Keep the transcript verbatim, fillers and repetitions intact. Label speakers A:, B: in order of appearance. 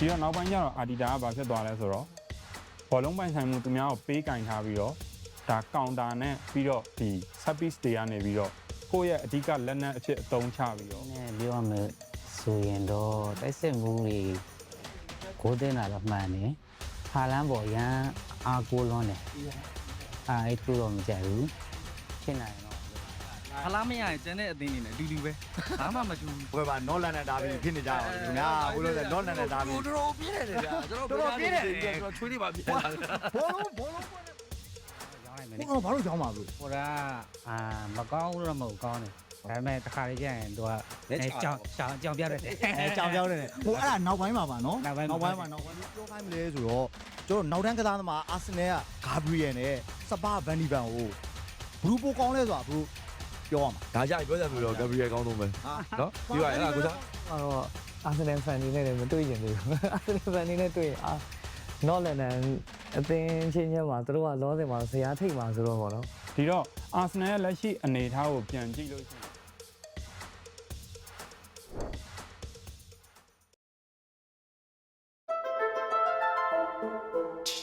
A: ဒီတော့နောက်ပိုင်းကျတော့အာဒီတာကဘာဖြစ်သွားလဲဆိုတော့ဘောလုံးပိုင်ဆိုင်မှုသူများကိုပေးကင်ထားပြီးတော့ဒါကောင်တာနဲ့ပြီးတော့ဒီ service တွေကနေပြီးတော့ကိုယ့်ရဲ့အဓိကလက်နက်အဖြစ်အသုံးချပြီးတော့
B: နည်းပြောရမယ်ဆိုရင်တော့တိုက်စစ်မှုတွေကိုတင်လာတော့မှန်တယ်ဖာလန်းပေါ်ရန်အားကိုလွန်းတယ်အာအဲ့တူတော့မကြိုက်ဘူးရှင်းနိုင်တော့
C: ဖလားမရရင်ကျန်တဲ့အသင်းတွေနဲ့အတူတူပဲဘာမှမတူဘူး
D: ဘယ်ပါနော်လန်နဲ့ဒါပြီးဖြစ်နေကြတယ်ခင်ဗျာဦးလို့ဆိုနော်လန်နဲ့ဒါပြီး
E: တော်တော်ပြည့်တယ်ဗျာကျွန်တော်တော်တော်ပြည့်တယ်ကျွန်တော်ချွေးလေးပါပြည့်လာတယ်
D: ဘောလုံးဘောလုံး
B: ရောင်းလိုက်မယ်
D: ဘောလုံးဘာလို့ကြောင်းပါလို့
B: ဟိုကအာမကောင်းဘူးတော့မဟုတ်ကောင်းတယ်ဒါပေမဲ့တစ်ခါလေးကျရင်သူကအဲကြောင်ကြောင်ကြောင်ပြရတယ်
D: အဲကြောင်ကြောင်းနေတယ်ဟိုအဲ့ဒါနောက်ပိုင်းမှာပါနော်
B: နောက်ပိုင်း
D: နောက်ပိုင်းမှာနောက်ပိုင်းပြောခိုင်းမလဲဆိုတော့ကျွန်တော်နောက်တန်းကစားသမားအာဆင်နယ်ကဂါဘရီယယ်နဲ့စပါဗန်ဒီဗန်ကိုဘလူးပိုကောင်းလဲဆိုတာဘလူးပြောရမှာ
E: ဒါကြိုက်ပြောကြပြီတော့ဂဘရီယယ်ကောင်းဆုံးပဲနော်ပြီးပါအဲ့ဒါကိုစား
F: တော့အာဆင်နယ်ဖန်နေနဲ့လည်းမတွေ့ကျင်သေးဘူးအာဆင်နယ်ဖန်နေနဲ့တွေ့ရင်အာနော့လန်နန်အသင်းချင်းချင်းမှာသူတို့ကလောစင်မှာဇရာထိတ်မှာဆိုတော့ဗောနော်
A: ဒီတော့အာဆင်နယ်ရဲ့လက်ရှိအနေအထားကိုပြန်ကြည့်လို့ရှိရင်